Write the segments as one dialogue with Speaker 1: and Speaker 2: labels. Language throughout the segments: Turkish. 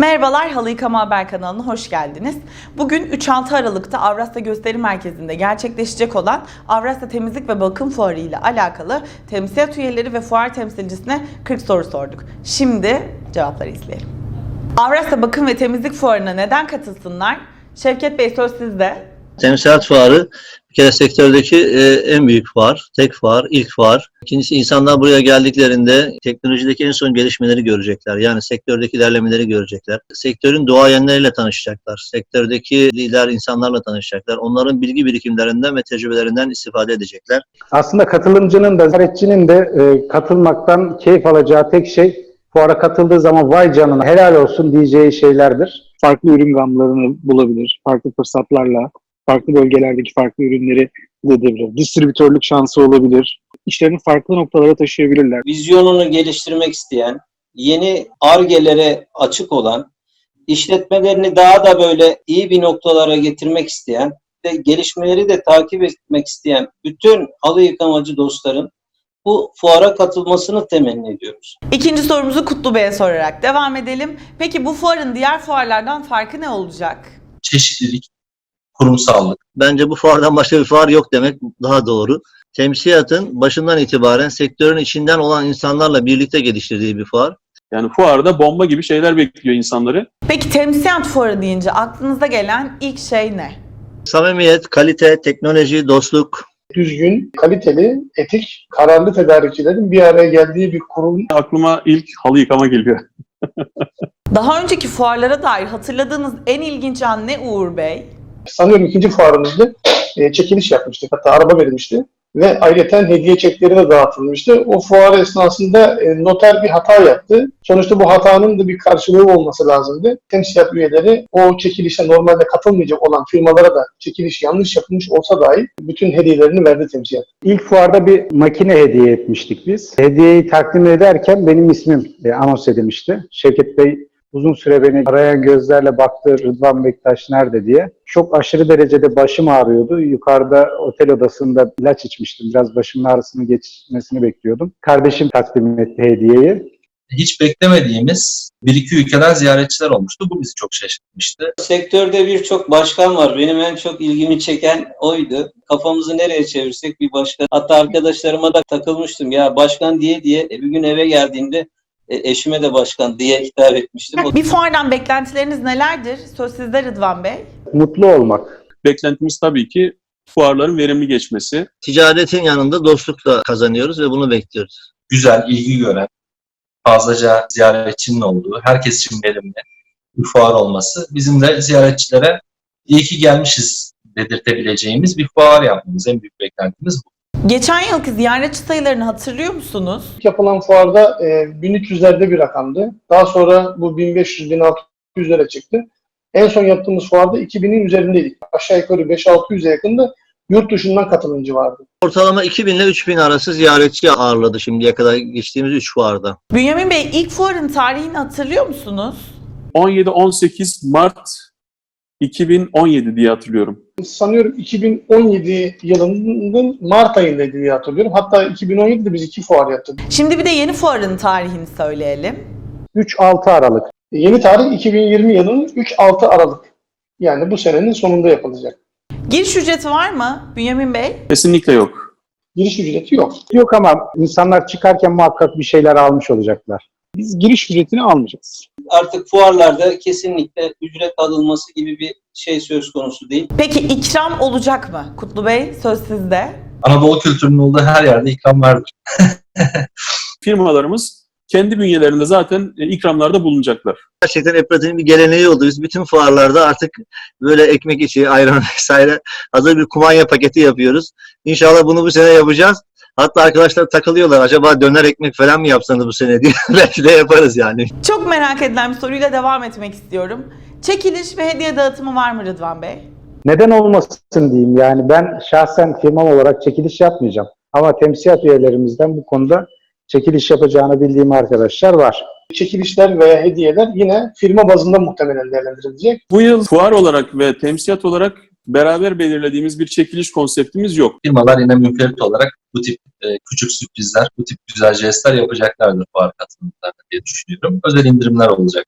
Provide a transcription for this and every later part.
Speaker 1: Merhabalar, Halı Yıkama Haber kanalına hoş geldiniz. Bugün 3-6 Aralık'ta Avrasya Gösteri Merkezi'nde gerçekleşecek olan Avrasya Temizlik ve Bakım Fuarı ile alakalı temsiliyet üyeleri ve fuar temsilcisine 40 soru sorduk. Şimdi cevapları izleyelim. Avrasya Bakım ve Temizlik Fuarı'na neden katılsınlar? Şevket Bey, söz sizde.
Speaker 2: Temsiliyet fuarı bir kere sektördeki en büyük fuar, tek fuar, ilk fuar. İkincisi, insanlar buraya geldiklerinde teknolojideki en son gelişmeleri görecekler. Yani sektördeki ilerlemeleri görecekler. Sektörün duayenleriyle tanışacaklar. Sektördeki lider insanlarla tanışacaklar. Onların bilgi birikimlerinden ve tecrübelerinden istifade edecekler.
Speaker 3: Aslında katılımcının da ziyaretçinin de katılmaktan keyif alacağı tek şey fuara katıldığı zaman vay canına helal olsun diyeceği şeylerdir.
Speaker 4: Farklı ürün gamlarını bulabilir, farklı fırsatlarla, farklı bölgelerdeki farklı ürünleri elde edebilir. Distribütörlük şansı olabilir. İşlerini farklı noktalara taşıyabilirler.
Speaker 5: Vizyonunu geliştirmek isteyen, yeni Ar-Ge'lere açık olan, işletmelerini daha da böyle iyi bir noktalara getirmek isteyen ve gelişmeleri de takip etmek isteyen bütün halı yıkamacı dostların bu fuara katılmasını temenni ediyoruz.
Speaker 1: İkinci sorumuzu Kutlu Bey'e sorarak devam edelim. Peki bu fuarın diğer fuarlardan farkı ne olacak?
Speaker 6: Çeşitlilik, kurumsallık.
Speaker 2: Bence bu fuardan başka bir fuar yok demek daha doğru. Temsiliyatın başından itibaren sektörün içinden olan insanlarla birlikte geliştirdiği bir fuar.
Speaker 7: Yani fuarda bomba gibi şeyler bekliyor insanları.
Speaker 1: Peki temsiliyat fuarı deyince aklınıza gelen ilk şey ne?
Speaker 2: Samimiyet, kalite, teknoloji, dostluk.
Speaker 8: Düzgün, kaliteli, etik, kararlı tedarikçilerin bir araya geldiği bir kurum.
Speaker 7: Aklıma ilk halı yıkama geliyor.
Speaker 1: Daha önceki fuarlara dair hatırladığınız en ilginç an ne Uğur Bey?
Speaker 8: Sanıyorum ikinci fuarımızda çekiliş yapmıştık. Hatta araba verilmişti. Ve ayrıca hediye çekleri de dağıtılmıştı. O fuar esnasında noter bir hata yaptı. Sonuçta bu hatanın da bir karşılığı olması lazımdı. Temsiliyat üyeleri o çekilişe normalde katılmayacak olan firmalara da çekiliş yanlış yapılmış olsa dahi bütün hediyelerini verdi temsiliyat.
Speaker 3: İlk fuarda bir makine hediye etmiştik biz. Hediyeyi takdim ederken benim ismim anons edilmişti. Şevket Bey uzun süre beni arayan gözlerle baktı, Rıdvan Bektaş nerede diye. Çok aşırı derecede başım ağrıyordu. Yukarıda otel odasında ilaç içmiştim. Biraz başımın ağrısının geçmesini bekliyordum. Kardeşim takdim etti hediyeyi.
Speaker 6: Hiç beklemediğimiz bir iki ülkeden ziyaretçiler olmuştu. Bu bizi çok şaşırtmıştı.
Speaker 5: Sektörde birçok başkan var. Benim en çok ilgimi çeken oydu. Kafamızı nereye çevirsek bir başkan. Hatta arkadaşlarıma da takılmıştım. Ya başkan diye bir gün eve geldiğimde eşime de başkan diye hitap etmiştim.
Speaker 1: Bir fuardan beklentileriniz nelerdir? Söz sizde Rıdvan Bey.
Speaker 3: Mutlu olmak.
Speaker 7: Beklentimiz tabii ki fuarların verimli geçmesi.
Speaker 2: Ticaretin yanında dostluk da kazanıyoruz ve bunu bekliyoruz.
Speaker 6: Güzel, ilgi gören, fazlaca ziyaretçinin olduğu, herkes için verimli bir fuar olması bizim de ziyaretçilere iyi ki gelmişiz dedirtebileceğimiz bir fuar yapmamız. En büyük beklentimiz bu.
Speaker 1: Geçen yılki ziyaretçi sayılarını hatırlıyor musunuz?
Speaker 8: İlk yapılan fuarda 1300'lerde bir rakamdı. Daha sonra bu 1500-1600'lere çıktı. En son yaptığımız fuarda 2000'in üzerindeydik. Aşağı yukarı 5-600'e yakında yurt dışından katılımcı vardı.
Speaker 2: Ortalama 2000 ile 3000 arası ziyaretçi ağırladı şimdiye kadar geçtiğimiz 3 fuarda.
Speaker 1: Bünyamin Bey, ilk fuarın tarihini hatırlıyor musunuz?
Speaker 7: 17-18 Mart 2017 diye hatırlıyorum.
Speaker 8: Sanıyorum 2017 yılının Mart ayındaydı diye hatırlıyorum. Hatta 2017'de biz 2 fuar yaptık.
Speaker 1: Şimdi bir de yeni fuarın tarihini söyleyelim.
Speaker 3: 3-6 Aralık.
Speaker 8: Yeni tarih 2020 yılının 3-6 Aralık. Yani bu senenin sonunda yapılacak.
Speaker 1: Giriş ücreti var mı Bünyamin Bey?
Speaker 7: Kesinlikle yok.
Speaker 8: Giriş ücreti yok.
Speaker 3: Yok ama insanlar çıkarken muhakkak bir şeyler almış olacaklar.
Speaker 4: Biz giriş ücretini almayacağız.
Speaker 5: Artık fuarlarda kesinlikle ücret alınması gibi bir şey söz konusu değil.
Speaker 1: Peki ikram olacak mı? Kutlu Bey, söz sizde.
Speaker 6: Anadolu kültürünün olduğu her yerde ikram vardır.
Speaker 7: Firmalarımız kendi bünyelerinde zaten ikramlarda bulunacaklar.
Speaker 2: Gerçekten Eprat'ın bir geleneği oldu. Biz bütün fuarlarda artık böyle ekmek içi, ayran vesaire hazır bir kumanya paketi yapıyoruz. İnşallah bunu bu sene yapacağız. Hatta arkadaşlar takılıyorlar. Acaba döner ekmek falan mı yapsanız bu sene diye. Belki de yaparız yani.
Speaker 1: Çok merak edilen bir soruyla devam etmek istiyorum. Çekiliş ve hediye dağıtımı var mı Rıdvan Bey?
Speaker 3: Neden olmasın diyeyim, yani ben şahsen firmam olarak çekiliş yapmayacağım. Ama temsiliyat üyelerimizden bu konuda çekiliş yapacağını bildiğim arkadaşlar var.
Speaker 8: Çekilişler veya hediyeler yine firma bazında muhtemelen değerlendirilecek.
Speaker 7: Bu yıl fuar olarak ve temsiliyat olarak beraber belirlediğimiz bir çekiliş konseptimiz yok.
Speaker 6: Firmalar yine münferit olarak bu tip küçük sürprizler, bu tip güzel jestler yapacaklardır fuar katılımlarında diye düşünüyorum. Özel indirimler olacaktır.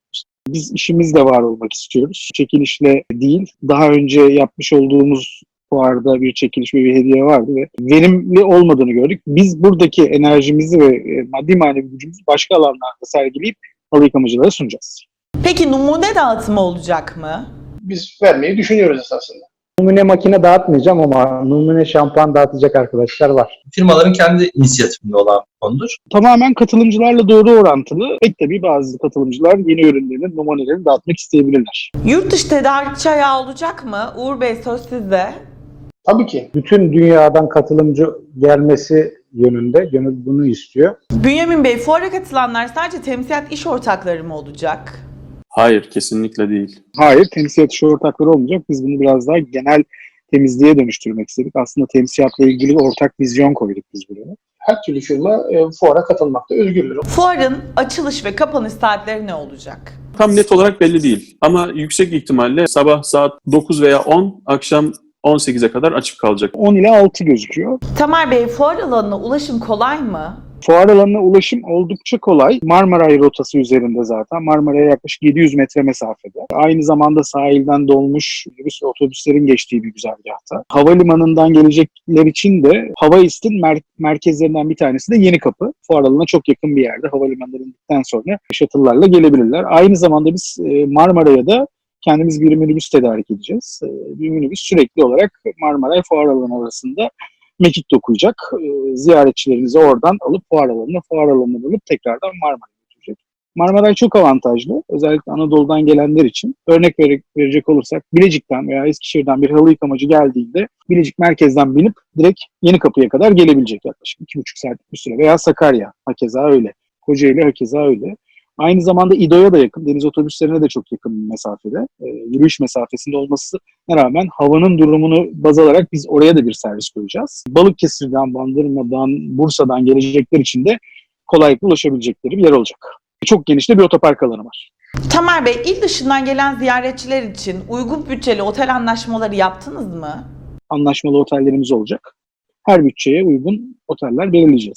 Speaker 4: Biz işimizle var olmak istiyoruz. Çekilişle değil, daha önce yapmış olduğumuz fuarda bir çekiliş ve bir hediye vardı ve verimli olmadığını gördük. Biz buradaki enerjimizi ve maddi manevi gücümüzü başka alanlarda sergileyip halı yıkamacılara sunacağız.
Speaker 1: Peki numune dağıtımı olacak mı?
Speaker 8: Biz vermeyi düşünüyoruz esasında.
Speaker 3: Numune makine dağıtmayacağım ama numune şampuan dağıtacak arkadaşlar var.
Speaker 6: Firmaların kendi inisiyatifinde olan bir konudur.
Speaker 4: Tamamen katılımcılarla doğru orantılı. Pek tabii bazı katılımcılar yeni ürünlerin numunelerini dağıtmak isteyebilirler.
Speaker 1: Yurt dışı tedarikçi ayağı olacak mı? Uğur Bey, söz sizde.
Speaker 8: Tabii ki.
Speaker 3: Bütün dünyadan katılımcı gelmesi yönünde, gönül bunu istiyor.
Speaker 1: Bünyamin Bey, fuara katılanlar sadece temsilat iş ortakları mı olacak?
Speaker 7: Hayır, kesinlikle değil.
Speaker 4: Hayır, temsilat işi ortakları olmayacak. Biz bunu biraz daha genel temizliğe dönüştürmek istedik. Aslında temsiyatla ilgili bir ortak vizyon koyduk biz buraya.
Speaker 8: Her türlü firma fuara katılmakta özgürdür.
Speaker 1: Fuarın açılış ve kapanış saatleri ne olacak?
Speaker 7: Tam net olarak belli değil. Ama yüksek ihtimalle sabah saat 9 veya 10, akşam 18'e kadar açık kalacak.
Speaker 4: 10 ile 6 gözüküyor.
Speaker 1: Tamer Bey, fuar alanına ulaşım kolay mı?
Speaker 4: Fuar alanına ulaşım oldukça kolay. Marmaray rotası üzerinde zaten. Marmaray'a yaklaşık 700 metre mesafede. Aynı zamanda sahilden dolmuş minibüs ve otobüslerin geçtiği bir güzergahta. Havalimanından gelecekler için de Havaist'in merkezlerinden bir tanesi de Yenikapı. Fuar alanına çok yakın bir yerde. Havalimanından indikten sonra shuttle'larla gelebilirler. Aynı zamanda biz Marmaray'a da kendimiz bir minibüs tedarik edeceğiz. Bir minibüs sürekli olarak Marmaray Fuar Alanı arasında mekik dokuyacak. Ziyaretçilerinizi oradan alıp fuar alanına alıp tekrardan Marmaray'a götürecek. Marmaray çok avantajlı. Özellikle Anadolu'dan gelenler için. Örnek verecek olursak Bilecik'ten veya Eskişehir'den bir halı yıkamacı geldiğinde Bilecik merkezden binip direkt Yenikapı'ya kadar gelebilecek yaklaşık 2,5 saatlik bir süre. Veya Sakarya hakeza öyle. Kocaeli hakeza öyle. Aynı zamanda İDO'ya da yakın, deniz otobüslerine de çok yakın bir mesafede, yürüyüş mesafesinde olmasına rağmen havanın durumunu baz alarak biz oraya da bir servis koyacağız. Balıkesir'den, Bandırma'dan, Bursa'dan gelecekler için de kolaylıkla ulaşabilecekleri bir yer olacak. Çok geniş de bir otopark alanı var.
Speaker 1: Tamer Bey, il dışından gelen ziyaretçiler için uygun bütçeli otel anlaşmaları yaptınız mı?
Speaker 4: Anlaşmalı otellerimiz olacak. Her bütçeye uygun oteller belirleyeceğiz.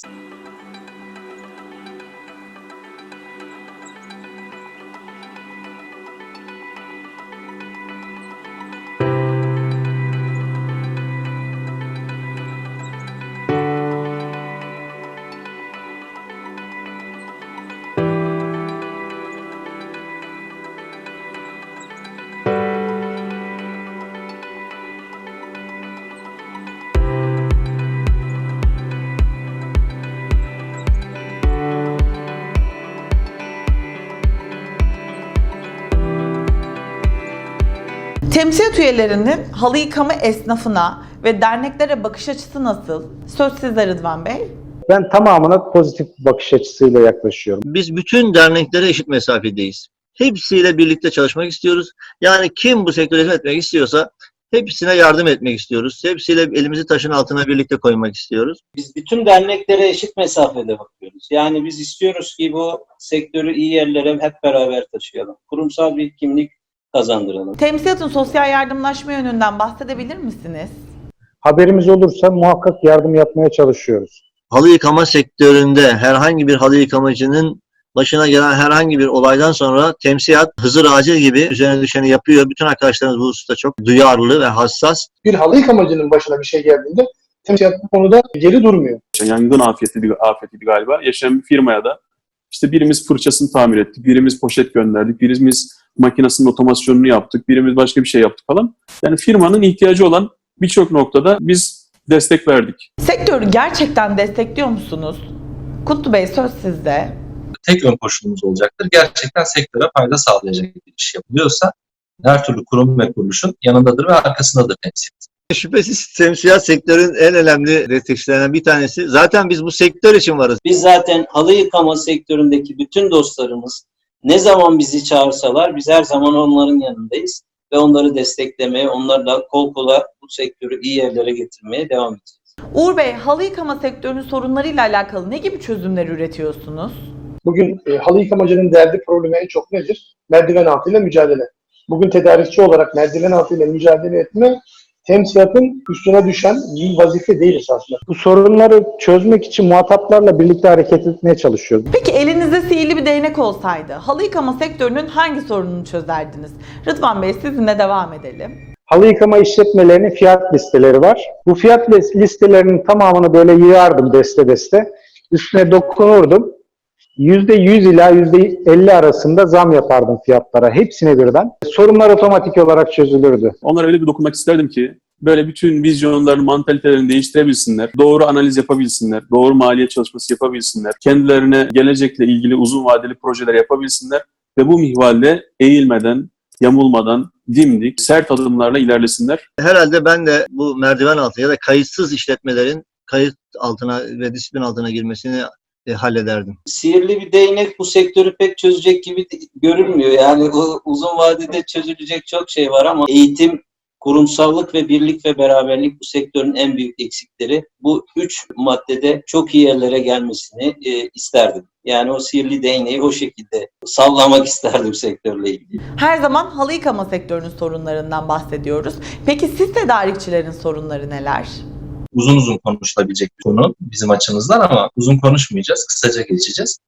Speaker 1: Temsilat üyelerinin halı yıkama esnafına ve derneklere bakış açısı nasıl? Söz sizde Rıdvan Bey.
Speaker 3: Ben tamamına pozitif bakış açısıyla yaklaşıyorum.
Speaker 2: Biz bütün derneklere eşit mesafedeyiz. Hepsiyle birlikte çalışmak istiyoruz. Yani kim bu sektöre hizmet etmek istiyorsa hepsine yardım etmek istiyoruz. Hepsiyle elimizi taşın altına birlikte koymak istiyoruz.
Speaker 5: Biz bütün derneklere eşit mesafede bakıyoruz. Yani biz istiyoruz ki bu sektörü iyi yerlere hep beraber taşıyalım. Kurumsal bir kimlik kazandıralım.
Speaker 1: Temsilatın sosyal yardımlaşma yönünden bahsedebilir misiniz?
Speaker 3: Haberimiz olursa muhakkak yardım yapmaya çalışıyoruz.
Speaker 2: Halı yıkama sektöründe herhangi bir halı yıkamacının başına gelen herhangi bir olaydan sonra temsilat Hızır Acil gibi üzerine düşeni yapıyor. Bütün arkadaşlarımız bu hususta çok duyarlı ve hassas.
Speaker 8: Bir halı yıkamacının başına bir şey geldiğinde temsilat bu konuda geri durmuyor.
Speaker 7: Yangın afetiydi galiba. Yaşayan bir firmaya da işte birimiz fırçasını tamir ettik, birimiz poşet gönderdik, birimiz makinesinin otomasyonunu yaptık, birimiz başka bir şey yaptık falan. Yani firmanın ihtiyacı olan birçok noktada biz destek verdik.
Speaker 1: Sektörü gerçekten destekliyor musunuz? Kutlu Bey, söz sizde.
Speaker 6: Tek ön koşulumuz olacaktır. Gerçekten sektöre fayda sağlayacak bir iş yapılıyorsa her türlü kurum ve kuruluşun yanındadır ve arkasındadır temsilat.
Speaker 2: Şüphesiz temsilat sektörün en önemli destekçilerinden bir tanesi. Zaten biz bu sektör için varız.
Speaker 5: Biz zaten halı yıkama sektöründeki bütün dostlarımız ne zaman bizi çağırsalar biz her zaman onların yanındayız ve onları desteklemeye, onlarla kol kola bu sektörü iyi yerlere getirmeye devam edeceğiz.
Speaker 1: Uğur Bey, halı yıkama sektörünün sorunlarıyla alakalı ne gibi çözümler üretiyorsunuz?
Speaker 8: Bugün halı yıkamacının derdi problemi en çok nedir? Merdiven altıyla mücadele. Bugün tedarikçi olarak merdiven altıyla mücadele etme temsilatın üstüne düşen bir vazife değil aslında.
Speaker 3: Bu sorunları çözmek için muhataplarla birlikte hareket etmeye çalışıyoruz.
Speaker 1: Peki elinizde sihirli bir değnek olsaydı halı yıkama sektörünün hangi sorununu çözerdiniz? Rıdvan Bey, sizinle devam edelim.
Speaker 3: Halı yıkama işletmelerinin fiyat listeleri var. Bu fiyat listelerinin tamamını böyle yığardım deste deste. Üstüne dokunurdum. %100 ila %50 arasında zam yapardım fiyatlara. Hepsine birden. Sorunlar otomatik olarak çözülürdü.
Speaker 7: Onlara öyle bir dokunmak isterdim ki böyle bütün vizyonlarını, mantalitelerini değiştirebilsinler, doğru analiz yapabilsinler, doğru maliyet çalışması yapabilsinler, kendilerine gelecekle ilgili uzun vadeli projeler yapabilsinler ve bu minvalde eğilmeden, yamulmadan, dimdik, sert adımlarla ilerlesinler.
Speaker 2: Herhalde ben de bu merdiven altı ya da kayıtsız işletmelerin kayıt altına ve disiplin altına girmesini hallederdim.
Speaker 5: Sihirli bir değnek bu sektörü pek çözecek gibi görünmüyor. Yani o uzun vadede çözülecek çok şey var ama eğitim, kurumsallık ve birlik ve beraberlik bu sektörün en büyük eksikleri. Bu 3 maddede çok iyi yerlere gelmesini isterdim. Yani o sihirli değneği o şekilde sallamak isterdim sektörle ilgili.
Speaker 1: Her zaman halı yıkama sektörünün sorunlarından bahsediyoruz. Peki siz tedarikçilerin sorunları neler?
Speaker 6: Uzun uzun konuşulabilecek bir konu bizim açımızdan ama uzun konuşmayacağız. Kısaca geçeceğiz.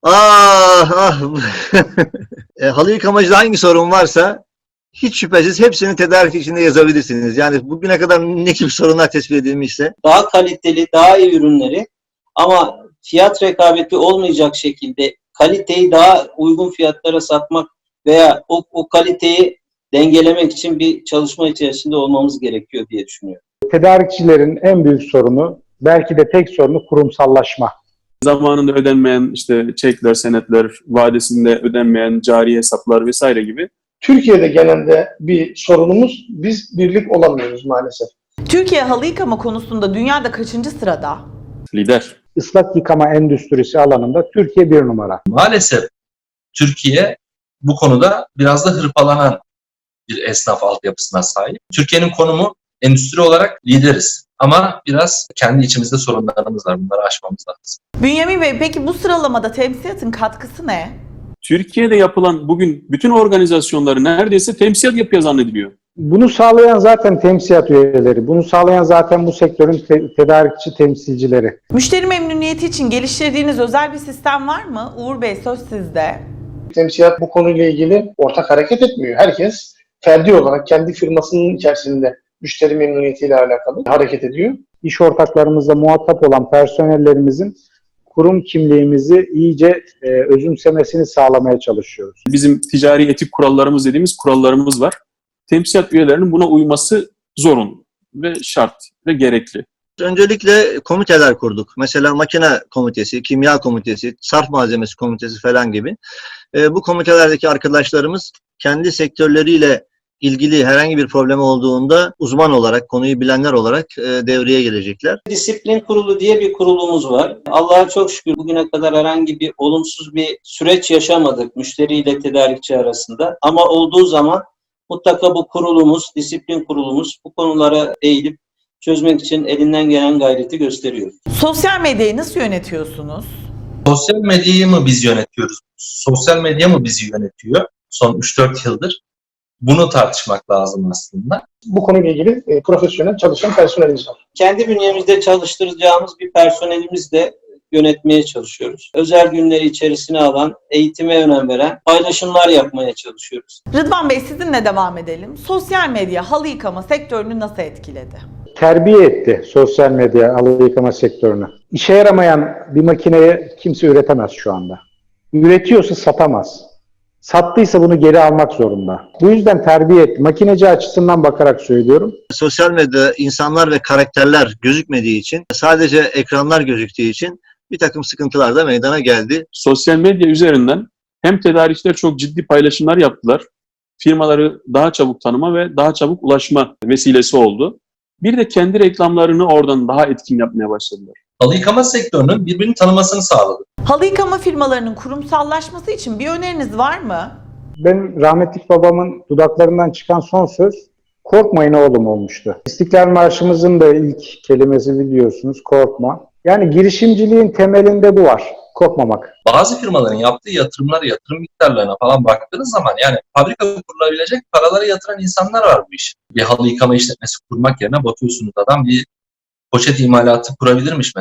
Speaker 2: Halı yıkamacıda hangi sorun varsa hiç şüphesiz hepsini tedarik içinde yazabilirsiniz. Yani bugüne kadar ne gibi sorunlar tespit edilmişse.
Speaker 5: Daha kaliteli, daha iyi ürünleri ama fiyat rekabeti olmayacak şekilde kaliteyi daha uygun fiyatlara satmak veya o kaliteyi dengelemek için bir çalışma içerisinde olmamız gerekiyor diye düşünüyorum.
Speaker 3: Tedarikçilerin en büyük sorunu, belki de tek sorunu kurumsallaşma.
Speaker 7: Zamanında ödenmeyen işte çekler, senetler, vadesinde ödenmeyen cari hesaplar vesaire gibi.
Speaker 8: Türkiye'de genelde bir sorunumuz, biz birlik olamıyoruz maalesef.
Speaker 1: Türkiye halı yıkama konusunda dünyada kaçıncı sırada?
Speaker 7: Lider.
Speaker 3: Islak yıkama endüstrisi alanında Türkiye bir numara.
Speaker 6: Maalesef Türkiye bu konuda biraz da hırpalanan bir esnaf altyapısına sahip. Türkiye'nin konumu endüstri olarak lideriz. Ama biraz kendi içimizde sorunlarımız var. Bunları aşmamız lazım.
Speaker 1: Bünyamin Bey, peki bu sıralamada temsiyatın katkısı ne?
Speaker 7: Türkiye'de yapılan bugün bütün organizasyonları neredeyse temsil yapıyor zannediliyor.
Speaker 3: Bunu sağlayan zaten temsiyat üyeleri, bunu sağlayan zaten bu sektörün tedarikçi temsilcileri.
Speaker 1: Müşteri memnuniyeti için geliştirdiğiniz özel bir sistem var mı? Uğur Bey, söz sizde.
Speaker 8: Temsilat bu konuyla ilgili ortak hareket etmiyor. Herkes ferdi olarak kendi firmasının içerisinde müşteri memnuniyetiyle alakalı hareket ediyor.
Speaker 3: İş ortaklarımızla muhatap olan personellerimizin kurum kimliğimizi iyice özümsemesini sağlamaya çalışıyoruz.
Speaker 7: Bizim ticari etik kurallarımız dediğimiz kurallarımız var. Temsilat üyelerinin buna uyması zorunlu ve şart ve gerekli.
Speaker 2: Öncelikle komiteler kurduk. Mesela makine komitesi, kimya komitesi, sarf malzemesi komitesi falan gibi. Bu komitelerdeki arkadaşlarımız kendi sektörleriyle ilgili herhangi bir problem olduğunda uzman olarak, konuyu bilenler olarak devreye gelecekler.
Speaker 5: Disiplin Kurulu diye bir kurulumuz var. Allah'a çok şükür bugüne kadar herhangi bir olumsuz bir süreç yaşamadık müşteriyle tedarikçi arasında. Ama olduğu zaman mutlaka bu kurulumuz, disiplin kurulumuz bu konulara eğilip çözmek için elinden gelen gayreti gösteriyor.
Speaker 1: Sosyal medyayı nasıl yönetiyorsunuz?
Speaker 6: Sosyal medyayı mı biz yönetiyoruz? Sosyal medya mı bizi yönetiyor? Son 3-4 yıldır. Bunu tartışmak lazım aslında.
Speaker 8: Bu konuyla ilgili profesyonel çalışan personelimiz var.
Speaker 5: Kendi bünyemizde çalıştıracağımız bir personelimizle yönetmeye çalışıyoruz. Özel günleri içerisine alan, eğitime önem veren paylaşımlar yapmaya çalışıyoruz.
Speaker 1: Rıdvan Bey, sizinle devam edelim. Sosyal medya halı yıkama sektörünü nasıl etkiledi?
Speaker 3: Terbiye etti sosyal medya halı yıkama sektörünü. İşe yaramayan bir makineyi kimse üretemez şu anda. Üretiyorsa satamaz. Sattıysa bunu geri almak zorunda. Bu yüzden terbiye etti. Makineci açısından bakarak söylüyorum.
Speaker 2: Sosyal medyada insanlar ve karakterler gözükmediği için, sadece ekranlar gözüktüğü için bir takım sıkıntılar da meydana geldi.
Speaker 7: Sosyal medya üzerinden hem tedarikçiler çok ciddi paylaşımlar yaptılar. Firmaları daha çabuk tanıma ve daha çabuk ulaşma vesilesi oldu. Bir de kendi reklamlarını oradan daha etkin yapmaya başladılar.
Speaker 6: Halı yıkama sektörünün birbirini tanımasını sağladı.
Speaker 1: Halı yıkama firmalarının kurumsallaşması için bir öneriniz var mı?
Speaker 3: Benim rahmetli babamın dudaklarından çıkan son söz "Korkmayın oğlum" olmuştu. İstiklal Marşımızın da ilk kelimesi biliyorsunuz, korkma. Yani girişimciliğin temelinde bu var, korkmamak.
Speaker 6: Bazı firmaların yaptığı yatırımlara, yatırım miktarlarına falan baktığınız zaman yani fabrika kurulabilecek paraları yatıran insanlar var bu iş. Bir halı yıkama işletmesi kurmak yerine bakıyorsunuz adam bir poşet imalatı kurabilirmiş mesela.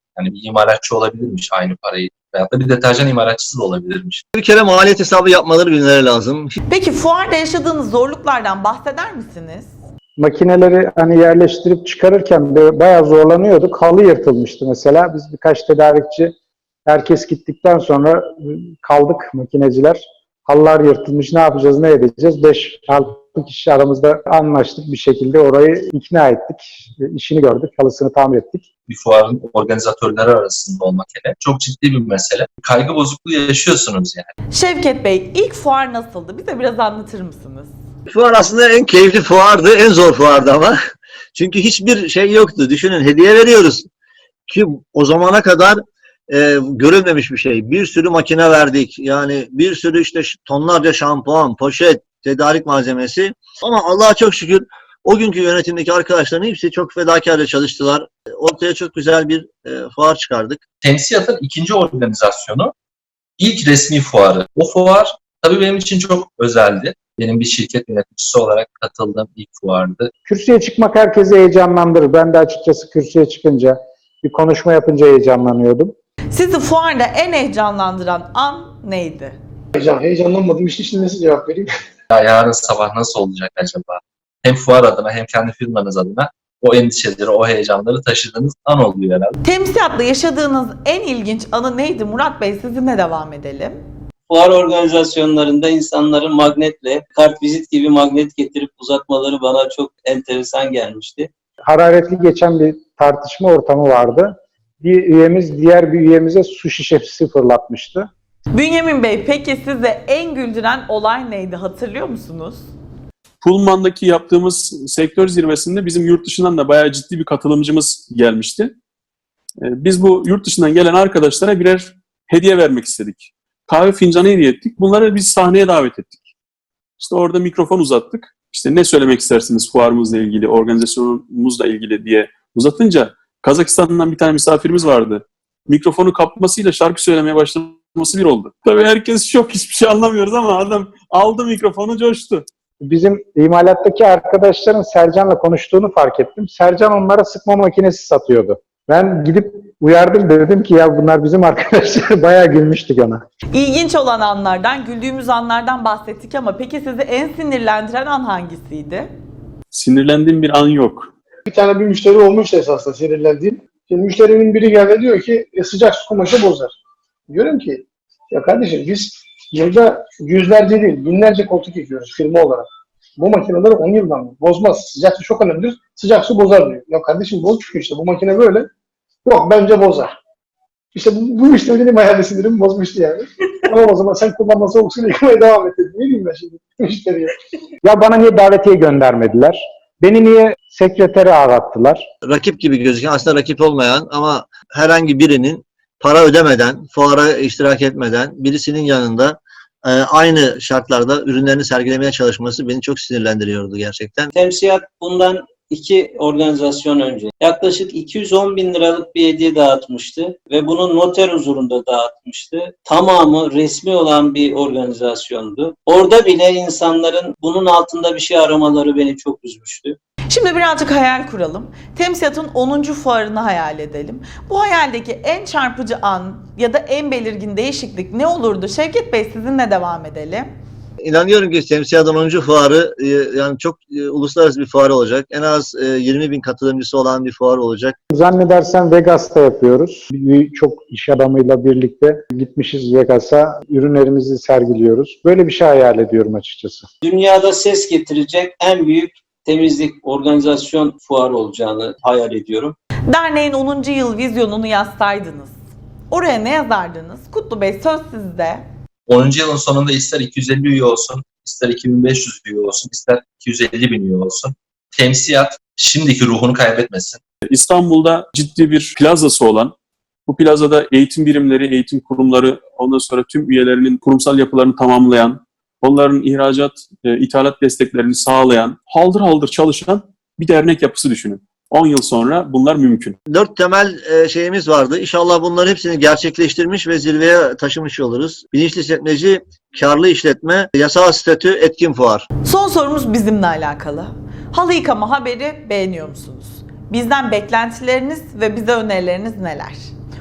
Speaker 6: Yani bir imalatçı olabilirmiş aynı parayı. Veyahut da bir deterjan imalatçısı da olabilirmiş.
Speaker 2: Bir kere maliyet hesabı yapmaları bilmeleri lazım.
Speaker 1: Peki fuarda yaşadığınız zorluklardan bahseder misiniz?
Speaker 3: Makineleri hani yerleştirip çıkarırken bayağı zorlanıyorduk. Halı yırtılmıştı mesela. Biz birkaç tedarikçi, herkes gittikten sonra kaldık makineciler. Halılar yırtılmış, ne yapacağız, ne edeceğiz? 5-6 kişi aramızda anlaştık, bir şekilde orayı ikna ettik. İşini gördük, halısını tamir ettik.
Speaker 6: Bir fuarın organizatörleri arasında olmak hele çok ciddi bir mesele. Kaygı bozukluğu yaşıyorsunuz yani.
Speaker 1: Şevket Bey, ilk fuar nasıldı? Bize biraz anlatır mısınız?
Speaker 2: Fuar aslında en keyifli fuardı, en zor fuardı ama. Çünkü hiçbir şey yoktu. Düşünün, hediye veriyoruz. Ki o zamana kadar görülmemiş bir şey. Bir sürü makine verdik. Yani bir sürü işte tonlarca şampuan, poşet, tedarik malzemesi. Ama Allah'a çok şükür o günkü yönetimdeki arkadaşların hepsi çok fedakarca çalıştılar. Ortaya çok güzel bir fuar çıkardık.
Speaker 6: Temsiyat'ın ikinci organizasyonu, ilk resmi fuarı. O fuar tabii benim için çok özeldi. Benim bir şirket yöneticisi olarak katıldığım ilk fuardı.
Speaker 3: Kürsüye çıkmak herkesi heyecanlandırır. Ben de açıkçası kürsüye çıkınca, bir konuşma yapınca heyecanlanıyordum.
Speaker 1: Sizi fuarda en heyecanlandıran an neydi?
Speaker 8: Heyecanlanmadım. İşte şimdi nasıl cevap vereyim?
Speaker 6: Ya yarın sabah nasıl olacak acaba? Hem fuar adına hem kendi firmanız adına o endişeleri, o heyecanları taşıdığınız an oluyor herhalde.
Speaker 1: Temsiyatla yaşadığınız en ilginç anı neydi? Murat Bey, sizinle devam edelim.
Speaker 5: Fuar organizasyonlarında insanların magnetle, kartvizit gibi magnet getirip uzatmaları bana çok enteresan gelmişti.
Speaker 3: Hararetli geçen bir tartışma ortamı vardı. Bir üyemiz diğer bir üyemize su şişesi fırlatmıştı.
Speaker 1: Bünyamin Bey, peki size en güldüren olay neydi? Hatırlıyor musunuz?
Speaker 7: Pullman'daki yaptığımız sektör zirvesinde bizim yurt dışından da bayağı ciddi bir katılımcımız gelmişti. Biz bu yurt dışından gelen arkadaşlara birer hediye vermek istedik. Kahve fincanı hediye ettik. Bunları biz sahneye davet ettik. İşte orada mikrofon uzattık. İşte ne söylemek istersiniz fuarımızla ilgili, organizasyonumuzla ilgili diye uzatınca Kazakistan'dan bir tane misafirimiz vardı. Mikrofonu kapmasıyla şarkı söylemeye başlaması bir oldu. Tabii herkes şok, hiçbir şey anlamıyoruz ama adam aldı mikrofonu, coştu.
Speaker 3: Bizim imalattaki arkadaşların Sercan'la konuştuğunu fark ettim. Sercan onlara sıkma makinesi satıyordu. Ben gidip uyardım, dedim ki ya bunlar bizim arkadaşlar. Bayağı gülmüştük ona.
Speaker 1: İlginç olan anlardan, güldüğümüz anlardan bahsettik ama peki sizi en sinirlendiren an hangisiydi?
Speaker 7: Sinirlendiğim bir an yok.
Speaker 8: Bir tane bir müşteri olmuştu esasında sinirlendiğim. Şimdi müşterinin biri geldi diyor ki sıcak su kumaşı bozar. Diyorum ki ya kardeşim biz yılda yüzlerce değil binlerce koltuk yıkıyoruz firma olarak. Bu makineleri 10 yıldan mı? Bozmaz. Sıcak su çok önemlidir. Sıcak su bozar diyor. Ya kardeşim boz çünkü işte bu makine böyle. Yok bence bozar. İşte bu müşteri benim hayal sinirimi bozmuştu yani. Ama o zaman sen kullanma soğuk suyla yıkamaya devam et dedi. Ne diyeyim ben şimdi müşteriye?
Speaker 3: Ya bana niye davetiye göndermediler? Beni niye sekretere ağlattılar?
Speaker 2: Rakip gibi gözüken, aslında rakip olmayan ama herhangi birinin para ödemeden, fuara iştirak etmeden birisinin yanında aynı şartlarda ürünlerini sergilemeye çalışması beni çok sinirlendiriyordu gerçekten.
Speaker 5: Temsiyat bundan 2 organizasyon önce yaklaşık 210 bin liralık bir hediye dağıtmıştı ve bunu noter huzurunda dağıtmıştı. Tamamı resmi olan bir organizasyondu. Orada bile insanların bunun altında bir şey aramaları beni çok üzmüştü.
Speaker 1: Şimdi birazcık hayal kuralım. Temsiyat'ın 10. fuarını hayal edelim. Bu hayaldeki en çarpıcı an ya da en belirgin değişiklik ne olurdu? Şevket Bey, sizinle devam edelim.
Speaker 2: İnanıyorum ki Temsiyat'ın 10. fuarı yani çok uluslararası bir fuar olacak. En az 20 bin katılımcısı olan bir fuar olacak.
Speaker 3: Zannedersem Vegas'ta yapıyoruz. Çok iş adamıyla birlikte gitmişiz Vegas'a. Ürünlerimizi sergiliyoruz. Böyle bir şey hayal ediyorum açıkçası.
Speaker 5: Dünyada ses getirecek en büyük temizlik organizasyon fuarı olacağını hayal ediyorum.
Speaker 1: Derneğin 10. yıl vizyonunu yazsaydınız, oraya ne yazardınız? Kutlu Bey, söz sizde.
Speaker 6: 10. yılın sonunda ister 250 üye olsun, ister 2500 üye olsun, ister 250 bin üye olsun. Temsiyat şimdiki ruhunu kaybetmesin.
Speaker 7: İstanbul'da ciddi bir plazası olan, bu plazada eğitim birimleri, eğitim kurumları, ondan sonra tüm üyelerinin kurumsal yapılarını tamamlayan, onların ihracat, ithalat desteklerini sağlayan, haldır haldır çalışan bir dernek yapısı düşünün. 10 yıl sonra bunlar mümkün.
Speaker 2: 4 temel şeyimiz vardı. İnşallah bunların hepsini gerçekleştirmiş ve zirveye taşımış oluruz. Bilinçli işletmeci, karlı işletme, yasal statü, etkin fuar.
Speaker 1: Son sorumuz bizimle alakalı. Halı yıkama haberi beğeniyor musunuz? Bizden beklentileriniz ve bize önerileriniz neler?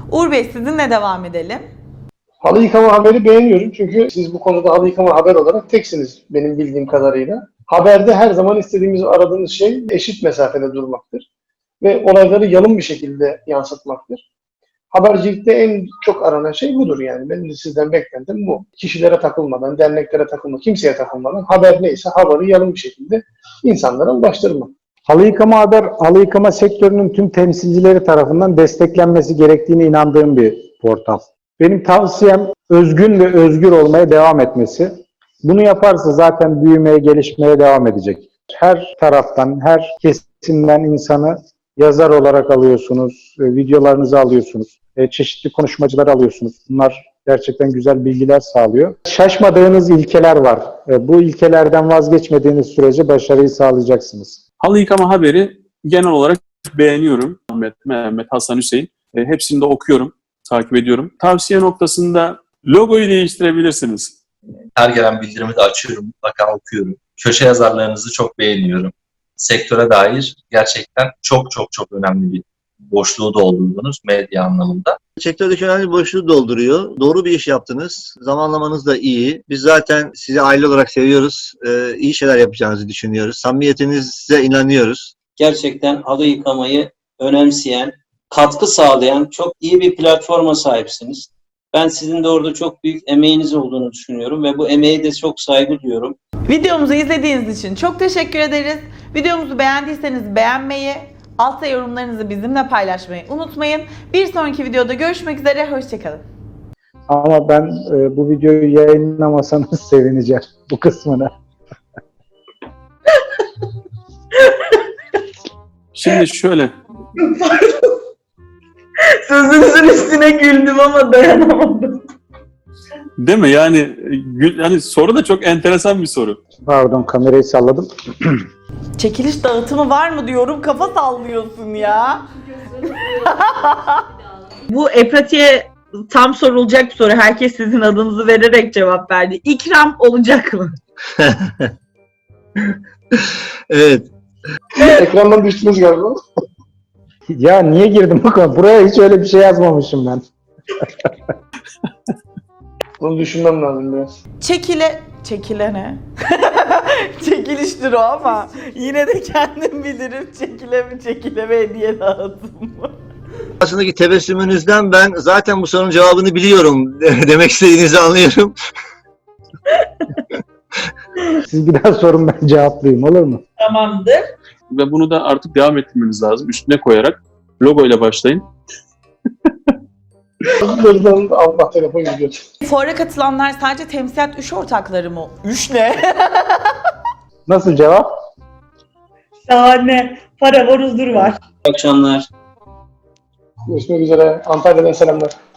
Speaker 1: Uğur Bey sizinle devam edelim.
Speaker 8: Halı yıkama haberi beğeniyorum çünkü siz bu konuda halı yıkama haber olarak teksiniz benim bildiğim kadarıyla. Haberde her zaman istediğimiz, aradığımız şey eşit mesafede durmaktır ve olayları yalın bir şekilde yansıtmaktır. Habercilikte en çok aranan şey budur yani. Benim de sizden beklentim bu. Kişilere takılmadan, derneklere takılmadan, kimseye takılmadan haber neyse haberi yalın bir şekilde insanlara ulaştırmak.
Speaker 3: Halı yıkama sektörünün tüm temsilcileri tarafından desteklenmesi gerektiğine inandığım bir portal. Benim tavsiyem özgün ve özgür olmaya devam etmesi. Bunu yaparsa zaten büyümeye, gelişmeye devam edecek. Her taraftan, her kesimden insanı yazar olarak alıyorsunuz, videolarınızı alıyorsunuz, çeşitli konuşmacılar alıyorsunuz. Bunlar gerçekten güzel bilgiler sağlıyor. Şaşmadığınız ilkeler var. Bu ilkelerden vazgeçmediğiniz sürece başarıyı sağlayacaksınız.
Speaker 7: Halı yıkama haberi genel olarak beğeniyorum. Ahmet, Mehmet, Hasan, Hüseyin. Hepsini de okuyorum, takip ediyorum. Tavsiye noktasında logoyu değiştirebilirsiniz.
Speaker 6: Her gelen bildirimi de açıyorum, mutlaka okuyorum. Köşe yazarlarınızı çok beğeniyorum. Sektöre dair gerçekten çok çok çok önemli bir boşluğu doldurdunuz medya anlamında.
Speaker 2: Sektördeki önemli bir boşluğu dolduruyor. Doğru bir iş yaptınız. Zamanlamanız da iyi. Biz zaten sizi aile olarak seviyoruz. İyi şeyler yapacağınızı düşünüyoruz. Samimiyetinize inanıyoruz.
Speaker 5: Gerçekten halı yıkamayı önemseyen, katkı sağlayan çok iyi bir platforma sahipsiniz. Ben sizin de orada çok büyük emeğiniz olduğunu düşünüyorum ve bu emeğe de çok saygı duyuyorum.
Speaker 1: Videomuzu izlediğiniz için çok teşekkür ederiz. Videomuzu beğendiyseniz beğenmeyi, altta yorumlarınızı bizimle paylaşmayı unutmayın. Bir sonraki videoda görüşmek üzere, hoşçakalın.
Speaker 3: Ama ben bu videoyu yayınlamasanız sevineceğim bu kısmını.
Speaker 7: Şimdi şöyle,
Speaker 1: Sözünüzün üstüne güldüm ama dayanamadım.
Speaker 7: değil mi? Yani soru da çok enteresan bir soru.
Speaker 3: Pardon, kamerayı salladım.
Speaker 1: Çekiliş dağıtımı var mı diyorum, kafa sallıyorsun ya. Bu pratiğe tam sorulacak bir soru. Herkes sizin adınızı vererek cevap verdi. İkram olacak mı?
Speaker 2: Evet.
Speaker 8: Ekrandan düştünüz galiba.
Speaker 3: Ya niye girdim bu konu? Buraya hiç öyle bir şey yazmamışım ben.
Speaker 8: Bunu düşünmem lazım biraz.
Speaker 1: Çekile ne? Çekiliştir o ama yine de kendim bilirim, çekile mi hediye lazım mı?
Speaker 2: Aslındaki tebessümünüzden ben zaten bu sorunun cevabını biliyorum demek istediğinizi anlıyorum.
Speaker 3: Siz bir daha sorun, ben cevaplayayım, olur mu?
Speaker 1: Tamamdır.
Speaker 7: Ve bunu da artık devam ettirmeniz lazım. Üstüne koyarak logoyla başlayın.
Speaker 8: Buradan Allah telefon gidiyor.
Speaker 1: Fuara katılanlar sadece temsilat üş ortakları mı? Üş ne?
Speaker 3: Nasıl cevap?
Speaker 1: Şahane. Para var, huzur var.
Speaker 5: İyi akşamlar.
Speaker 8: Görüşmek üzere. Antalya'dan selamlar.